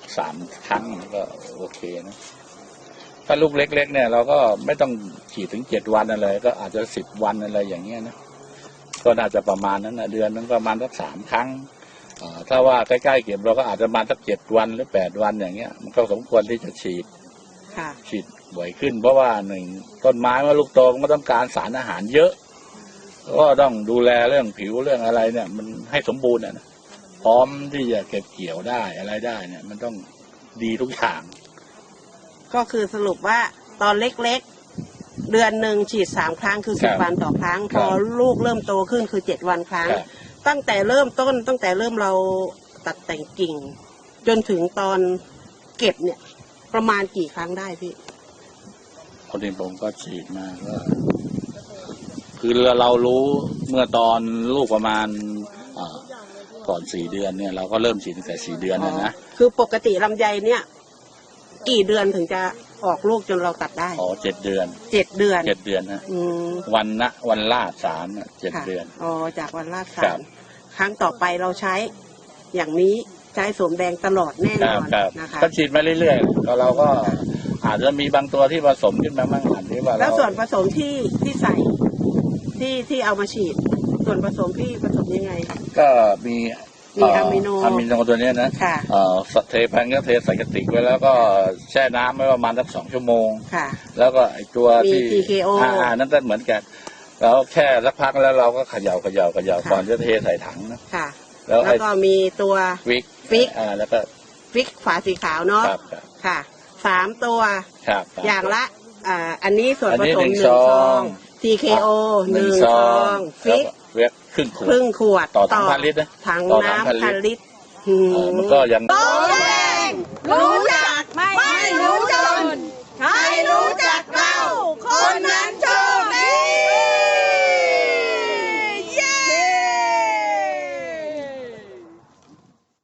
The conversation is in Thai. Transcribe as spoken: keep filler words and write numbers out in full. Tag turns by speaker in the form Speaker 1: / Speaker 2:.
Speaker 1: สามครั้งก็โอเคนะถ้าลูกเล็กๆเนี่ยเราก็ไม่ต้องฉีดถึงเจ็ดวันอะไรก็อาจจะสิบวันอะไรอย่างเงี้ยนะก็น่าจะประมาณนั้นนะเดือนนึงประมาณสักสามครั้งถ้าว่าใกล้ๆเก็บเราก็อาจจะมาสักเจ็ดวันหรือแปดวันอย่างเงี้ยมันก็สมควรที่จะฉีดฉีดบ่อยขึ้นเพราะว่าหนึ่งต้นไม้เมื่อลูกโตมันต้องการสารอาหารเยอะก็ต้องดูแลเรื่องผิวเรื่องอะไรเนี่ยมันให้สมบูรณ์นะพร้อมที่จะเก็บเกี่ยวได้อะไรได้เนี่ยมันต้องดีทุกอย่าง
Speaker 2: ก็คือสรุปว่าตอนเล็กๆเดือนหนึ่งฉีดสามครั้งคือสิบวันต่อครั้งพอลูกเริ่มโตขึ้นคือเจ็ดวันครั้งตั้งแต่เริ่มต้นตั้งแต่เริ่มเราตัดแต่งกิ่งจนถึงตอนเก็บเนี่ยประมาณกี่ครั้งได้พี่
Speaker 1: คนที่ผมก็ฉีดมาก็คือเรารู้เมื่อตอนลูกประมาณก่อนสี่เดือนเนี่ยเราก็เริ่มฉีดตั้งแต่สี่เดือนนะนะ
Speaker 2: คือปกติลำไยเนี่ยกี่เดือนถึงจะออกลูกจนเราตัดได้
Speaker 1: อ๋อเจ็ดเดือน
Speaker 2: เจ็ดเดือน
Speaker 1: เจ็ดเดือนนะวันนะวันลาดสารเจ็ดเดือน
Speaker 2: อ๋อจากวันลาดสารครั้งต่อไปเราใช้อย่างนี้ใช้สวมแดงตลอดแน่นอนนะคะ
Speaker 1: ก็ฉีดมาเรื่อยๆแล้วเราก็อาจจะมีบางตัวที่ผสมขึ้นมาบ้างอันที่ว่า
Speaker 2: แล้วส่วนผสมที่ที่ใส่ที่ที่เอามาฉีดส่วนผสมพี่ผสมยังไง
Speaker 1: ก็มี
Speaker 2: มีอะมิโน
Speaker 1: อะมิโนตัวนี้นะเอ่อเทพันก็เทใส่กระติกไว้แล้วก็แช่น้ำไว้ประมาณสักสองชั่วโมง
Speaker 2: ค่ะ
Speaker 1: แล้วก็ไอตัวที่
Speaker 2: ที เค โอ
Speaker 1: อ่านั่นก็เหมือนกันแล้วแช่สักพักแล้วเราก็เขย่าเขย่าเขย่าก่อนจะเทใส่ถังนะ
Speaker 2: ค่ะแล้วก็มีตัว
Speaker 1: ฟิก
Speaker 2: ฟิก
Speaker 1: อ่าแล้วก็
Speaker 2: ฟิกฝาสีขาวเนาะค่ะสามตัวอย่างละอ่าอันนี้ส่วนผสมหนึ่งซอง ที เค โอ หนึ่งซองฟิก
Speaker 1: เวกครึ่งขวด
Speaker 2: ครึ่งขวด
Speaker 1: ต่อถังพันลิตรนะ
Speaker 2: ถังน้ำพันลิตร
Speaker 1: มันก็ยัง